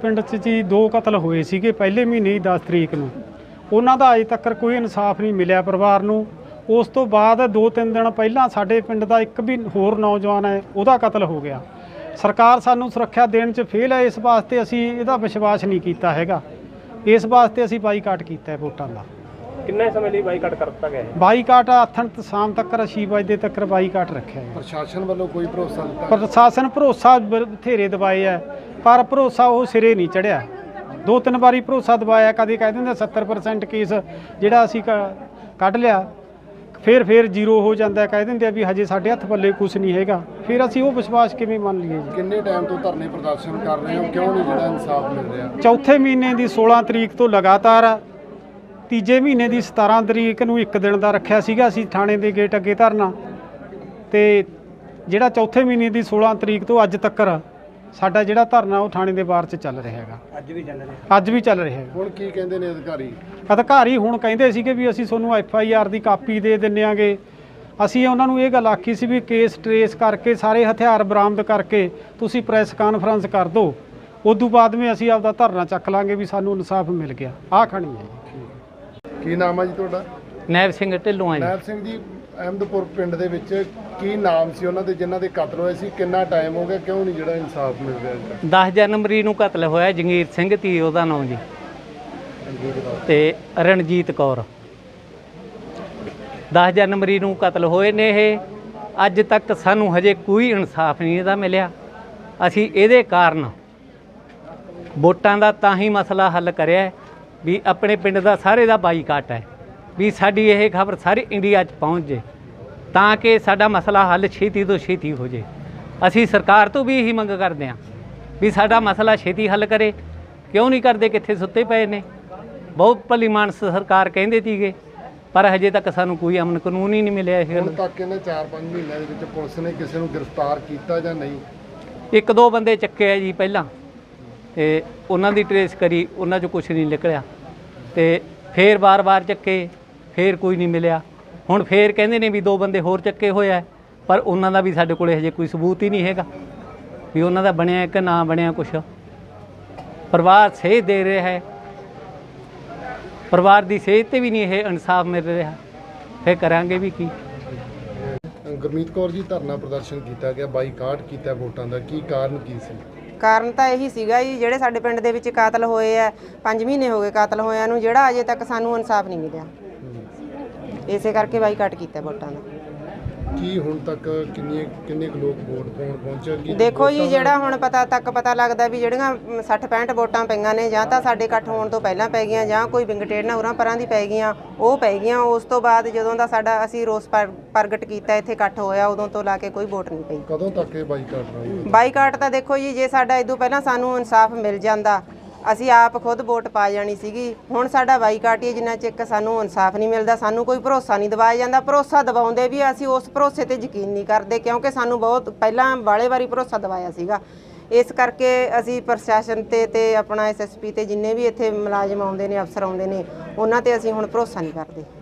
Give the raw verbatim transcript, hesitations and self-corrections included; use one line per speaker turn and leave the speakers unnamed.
पिंड 'ਚ जी दो कतल होए सीगे पहले महीने ही दस तरीक ਨੂੰ ਉਹਨਾਂ ਦਾ ਅਜੇ ਤੱਕ ਕੋਈ ਇਨਸਾਫ ਨਹੀਂ ਮਿਲਿਆ ਪਰਿਵਾਰ ਨੂੰ। ਉਸ ਤੋਂ ਬਾਅਦ ਦੋ ਤਿੰਨ ਦਿਨ ਪਹਿਲਾਂ ਸਾਡੇ ਪਿੰਡ ਦਾ ਇੱਕ ਵੀ ਹੋਰ ਨੌਜਵਾਨ ਹੈ ਉਹਦਾ ਕਤਲ ਹੋ ਗਿਆ। ਸਰਕਾਰ ਸਾਨੂੰ ਸੁਰੱਖਿਆ ਦੇਣ 'ਚ ਫੇਲ ਹੈ, ਇਸ ਵਾਸਤੇ ਅਸੀਂ ਇਹਦਾ ਵਿਸ਼ਵਾਸ ਨਹੀਂ ਕੀਤਾ ਹੈਗਾ। ਇਸ ਵਾਸਤੇ ਅਸੀਂ ਬਾਈਕਾਟ ਕੀਤਾ ਹੈ ਵੋਟਾਂ ਦਾ।
ਕਿੰਨੇ ਸਮੇਂ ਲਈ ਬਾਈਕਾਟ ਕਰ ਦਿੱਤਾ ਗਿਆ ਹੈ?
ਬਾਈਕਾਟ ਆਥਣ ਸ਼ਾਮ ਤੱਕ ਛੇ ਵਜੇ ਤੱਕ ਬਾਈਕਾਟ ਰੱਖਿਆ ਹੈ।
ਪ੍ਰਸ਼ਾਸਨ ਵੱਲੋਂ ਕੋਈ ਭਰੋਸਾ ਦਿੱਤਾ?
ਪ੍ਰਸ਼ਾਸਨ ਭਰੋਸਾ ਬਥੇਰੇ ਦਵਾਏ ਹੈ ਪਰ ਭਰੋਸਾ ਉਹ ਸਿਰੇ ਨਹੀਂ ਚੜਿਆ। ਦੋ ਤਿੰਨ ਵਾਰੀ ਭਰੋਸਾ ਦਵਾਇਆ, ਕਦੇ ਕਹਿ ਦਿੰਦੇ ਸੱਤਰ ਪਰਸੈਂਟ ਕੇਸ ਜਿਹੜਾ ਅਸੀਂ ਕੱਢ ਲਿਆ, ਫਿਰ ਫਿਰ ਜ਼ੀਰੋ ਹੋ ਜਾਂਦਾ, ਕਹਿ ਦਿੰਦੇ ਆ ਵੀ ਹਜੇ ਸਾਡੇ ਹੱਥ ਪੱਲੇ ਕੁਝ ਨਹੀਂ ਹੈਗਾ। ਫਿਰ ਅਸੀਂ ਉਹ ਵਿਸ਼ਵਾਸ ਕਿਵੇਂ ਮੰਨ ਲਈਏ ਜੀ?
ਕਿੰਨੇ ਟਾਈਮ ਤੋਂ ਧਰਨੇ ਪ੍ਰਦਰਸ਼ਨ ਕਰ ਰਹੇ ਹੋ, ਕਿਉਂ ਨਹੀਂ ਜਿਹੜਾ ਇਨਸਾਫ ਮਿਲ ਰਿਹਾ?
ਚੌਥੇ ਮਹੀਨੇ ਦੀ ਸੋਲਾਂ ਤਰੀਕ ਤੋਂ ਲਗਾਤਾਰ, ਤੀਜੇ ਮਹੀਨੇ ਦੀ ਸਤਾਰਾਂ ਤਰੀਕ ਨੂੰ ਇੱਕ ਦਿਨ ਦਾ ਰੱਖਿਆ ਸੀਗਾ ਅਸੀਂ ਥਾਣੇ ਦੇ ਗੇਟ ਅੱਗੇ ਧਰਨਾ, ਤੇ ਜਿਹੜਾ ਚੌਥੇ ਮਹੀਨੇ ਦੀ ਸੋਲਾਂ ਤਰੀਕ ਤੋਂ ਅੱਜ ਤੱਕ ਸਾਡਾ ਜਿਹੜਾ ਧਰਨਾ ਉਹ ਥਾਣੇ ਦੇ ਬਾਹਰ 'ਚ ਚੱਲ ਰਿਹਾ ਹੈਗਾ।
ਅੱਜ ਵੀ ਚੱਲ ਰਿਹਾ
ਅੱਜ ਵੀ ਚੱਲ ਰਿਹਾ ਹੈਗਾ।
ਹੁਣ ਕੀ ਕਹਿੰਦੇ ਨੇ ਅਧਿਕਾਰੀ?
ਅਧਿਕਾਰੀ ਹੁਣ ਕਹਿੰਦੇ ਸੀਗੇ ਵੀ ਅਸੀਂ ਤੁਹਾਨੂੰ ਐਫ ਆਈ ਆਰ ਦੀ ਕਾਪੀ ਦੇ ਦਿੰਦੇ ਆਂਗੇ। ਅਸੀਂ ਉਹਨਾਂ ਨੂੰ ਇਹ ਗੱਲ ਆਖੀ ਸੀ ਵੀ ਕੇਸ ਟਰੇਸ ਕਰਕੇ ਸਾਰੇ ਹਥਿਆਰ ਬਰਾਮਦ ਕਰਕੇ ਤੁਸੀਂ ਪ੍ਰੈਸ ਕਾਨਫਰੰਸ ਕਰ ਦਿਓ, ਉਦੋਂ ਬਾਅਦ ਵਿੱਚ ਅਸੀਂ ਆਪਦਾ ਧਰਨਾ ਚੱਕ ਲਾਂਗੇ ਵੀ ਸਾਨੂੰ ਇਨਸਾਫ ਮਿਲ ਗਿਆ। ਆਹ ਖਣੀ ਹੈ ਜੀ।
ਕੀ ਨਾਮ ਹੈ ਜੀ ਤੁਹਾਡਾ?
ਨੈਬ ਸਿੰਘ ਢਿੱਲੋਂ ਆ ਜੀ।
ਨੈਬ ਸਿੰਘ ਜੀ, ਅਹਿਮਦਪੁਰ ਪਿੰਡ ਦੇ ਵਿੱਚ ਕੀ ਨਾਮ ਸੀ ਉਹਨਾਂ ਦੇ ਜਿਨ੍ਹਾਂ ਦੇ ਕਤਲ ਹੋਏ ਸੀ? ਕਿੰਨਾ ਟਾਈਮ ਹੋ ਗਿਆ, ਕਿਉਂ ਨਹੀਂ ਜਿਹੜਾ ਇਨਸਾਫ ਮਿਲ ਰਿਹਾ?
ਦਸ ਜਨਵਰੀ ਨੂੰ ਕਤਲ ਹੋਇਆ ਜੰਗੀਰ ਸਿੰਘ ਤੀ ਉਹਦਾ ਨਾਮ ਜੀ, ਤੇ ਰਣਜੀਤ ਕੌਰ। ਦਸ ਜਨਵਰੀ ਨੂੰ ਕਤਲ ਹੋਏ ਨੇ ਇਹ। ਅੱਜ ਤੱਕ ਸਾਨੂੰ ਹਜੇ ਕੋਈ ਇਨਸਾਫ ਨਹੀਂ ਇਹਦਾ ਮਿਲਿਆ। ਅਸੀਂ ਇਹਦੇ ਕਾਰਨ ਵੋਟਾਂ ਦਾ ਤਾਂ ਹੀ ਮਸਲਾ ਹੱਲ ਕਰਿਆ ਵੀ ਆਪਣੇ ਪਿੰਡ ਦਾ ਸਾਰੇ ਦਾ ਬਾਈਕਾਟ ਹੈ, ਵੀ ਸਾਡੀ ਇਹ ਖਬਰ ਸਾਰੇ ਇੰਡੀਆ 'ਚ ਪਹੁੰਚ ਜੇ ਤਾਂ ਕਿ ਸਾਡਾ ਮਸਲਾ ਹੱਲ ਛੇਤੀ ਤੋਂ ਛੇਤੀ ਹੋ ਜੇ। ਅਸੀਂ ਸਰਕਾਰ ਤੋਂ ਵੀ ਇਹੀ ਮੰਗ ਕਰਦੇ ਹਾਂ ਵੀ ਸਾਡਾ ਮਸਲਾ ਛੇਤੀ ਹੱਲ ਕਰੇ। ਕਿਉਂ ਨਹੀਂ ਕਰਦੇ? ਕਿੱਥੇ ਸੁੱਤੇ ਪਏ ਨੇ। ਬਹੁਤ ਭਲੀ ਮਾਨਸ ਸਰਕਾਰ ਕਹਿੰਦੇ ਸੀਗੇ ਪਰ ਹਜੇ ਤੱਕ ਸਾਨੂੰ ਕੋਈ ਅਮਨ ਕਾਨੂੰਨ ਹੀ ਨਹੀਂ ਮਿਲਿਆ।
ਹੁਣ ਤੱਕ ਇਹਨਾਂ ਚਾਰ ਪੰਜ ਮਹੀਨਿਆਂ ਦੇ ਵਿੱਚ ਪੁਲਿਸ ਨੇ ਕਿਸੇ ਨੂੰ ਗ੍ਰਿਫਤਾਰ ਕੀਤਾ ਜਾਂ ਨਹੀਂ?
ਇੱਕ ਦੋ ਬੰਦੇ ਚੱਕੇ ਆ ਜੀ ਪਹਿਲਾਂ, ਤੇ ਉਹਨਾਂ ਦੀ ਟਰੇਸ ਕਰੀ, ਉਹਨਾਂ 'ਚੋਂ ਕੁਛ ਨਹੀਂ ਨਿਕਲਿਆ, ਤੇ ਫੇਰ ਵਾਰ-ਵਾਰ ਚੱਕੇ, ਫੇਰ ਕੋਈ ਨਹੀਂ ਮਿਲਿਆ। ਹੁਣ ਫੇਰ ਕਹਿੰਦੇ ਨੇ ਵੀ ਦੋ ਬੰਦੇ ਹੋਰ ਚੱਕੇ ਹੋਏ ਆ, ਪਰ ਉਹਨਾਂ ਦਾ ਵੀ ਸਾਡੇ ਕੋਲ ਹਜੇ ਕੋਈ ਸਬੂਤ ਹੀ ਨਹੀਂ ਹੈਗਾ ਵੀ ਉਹਨਾਂ ਦਾ ਬਣਿਆ ਕਿ ਨਾ ਬਣਿਆ ਕੁਛ। ਪਰਿਵਾਰ ਸੇਧ ਦੇ ਰਿਹਾ ਹੈ, ਪਰਿਵਾਰ ਦੀ ਸੇਧ ਤੇ ਵੀ ਨਹੀਂ ਇਹ ਇਨਸਾਫ ਮਿਲ ਰਿਹਾ, ਫੇਰ ਕਰਾਂਗੇ ਵੀ ਕੀ?
ਗੁਰਮੀਤ ਕੌਰ ਜੀ, ਧਰਨਾ ਪ੍ਰਦਰਸ਼ਨ ਕੀਤਾ ਗਿਆ, ਬਾਈਕਾਟ ਕੀਤਾ ਵੋਟਾਂ ਦਾ, ਕੀ ਕਾਰਨ ਕੀ ਸੀ?
ਕਾਰਨ ਤਾਂ ਇਹੀ ਸੀਗਾ ਜੀ, ਜਿਹੜੇ ਸਾਡੇ ਪਿੰਡ ਦੇ ਵਿੱਚ ਕਾਤਲ ਹੋਏ ਆ, ਪੰਜ ਮਹੀਨੇ ਹੋ ਗਏ ਕਾਤਲ ਹੋਇਆਂ ਨੂੰ, ਜਿਹੜਾ ਅਜੇ ਤੱਕ ਸਾਨੂੰ ਇਨਸਾਫ ਨਹੀਂ ਮਿਲਿਆ। ਇਸੇ ਕਰਕੇ ਬਾਈਕਾਟ ਕੀਤਾ ਵੋਟਾਂ ਦਾ।
ਕੀ ਹੁਣ ਤੱਕ ਕਿੰਨੇ ਕਿੰਨੇ ਕੁ ਲੋਕ ਵੋਟ ਪਾਉਣ ਪਹੁੰਚਣਗੇ?
ਦੇਖੋ ਜੀ, ਜਿਹੜਾ ਹੁਣ ਪਤਾ ਤੱਕ ਪਤਾ ਲੱਗਦਾ ਵੀ ਜਿਹੜੀਆਂ ਸੱਠ ਪੈਂਹਠ ਵੋਟਾਂ ਪਈਆਂ ਨੇ, ਜਾਂ ਤਾਂ ਸਾਡੇ ਇਕੱਠ ਹੋਣ ਤੋਂ ਪਹਿਲਾਂ ਪੈ ਗਈਆਂ ਜਾਂ ਕੋਈ ਵਿੰਗਟੇੜਨਾ ਉਰਾਂ ਪਰਾਂ ਦੀ ਪੈ ਗਈਆਂ, ਉਹ ਪੈ ਗਈਆਂ। ਉਸ ਤੋਂ ਬਾਅਦ ਜਦੋਂ ਦਾ ਸਾਡਾ ਅਸੀਂ ਰੋਸ ਪ੍ਰਗਟ ਕੀਤਾ, ਇੱਥੇ ਇਕੱਠ ਹੋਇਆ, ਉਦੋਂ ਤੋਂ ਲਾ ਕੇ ਕੋਈ ਵੋਟ ਨਹੀਂ ਪਈ।
ਕਦੋਂ ਤੱਕ ਇਹ ਬਾਈਕਾਟ ਰਹੇਗਾ?
ਬਾਈਕਾਟ ਤਾਂ ਦੇਖੋ ਜੀ, ਜੇ ਸਾਡਾ ਇਦੋਂ ਪਹਿਲਾਂ ਸਾਨੂੰ ਇਨਸਾਫ ਮਿਲ ਜਾਂਦਾ ਅਸੀਂ ਆਪ ਖੁਦ ਵੋਟ ਪਾ ਜਾਣੀ ਸੀਗੀ। ਹੁਣ ਸਾਡਾ ਬਾਈਕਾਟ ਹੀ ਜਿੰਨਾ ਚਿਰ ਸਾਨੂੰ ਇਨਸਾਫ ਨਹੀਂ ਮਿਲਦਾ, ਸਾਨੂੰ ਕੋਈ ਭਰੋਸਾ ਨਹੀਂ ਦਿਵਾਇਆ ਜਾਂਦਾ। ਭਰੋਸਾ ਦਿਵਾਉਂਦੇ ਵੀ ਅਸੀਂ ਉਸ ਭਰੋਸੇ ਤੇ ਯਕੀਨ ਨਹੀਂ ਕਰਦੇ, ਕਿਉਂਕਿ ਸਾਨੂੰ ਬਹੁਤ ਪਹਿਲਾਂ ਬਾਲੇ ਵਾਰੀ ਭਰੋਸਾ ਦਿਵਾਇਆ ਸੀਗਾ। ਇਸ ਕਰਕੇ ਅਸੀਂ ਪ੍ਰਸ਼ਾਸਨ ਤੇ ਤੇ ਆਪਣਾ ਐਸ ਐਸ ਪੀ ਤੇ ਜਿੰਨੇ ਵੀ ਇੱਥੇ ਮੁਲਾਜ਼ਮ ਆਉਂਦੇ ਨੇ, ਅਫਸਰ ਆਉਂਦੇ ਨੇ, ਉਹਨਾਂ ਤੇ ਅਸੀਂ ਹੁਣ ਭਰੋਸਾ ਨਹੀਂ ਕਰਦੇ।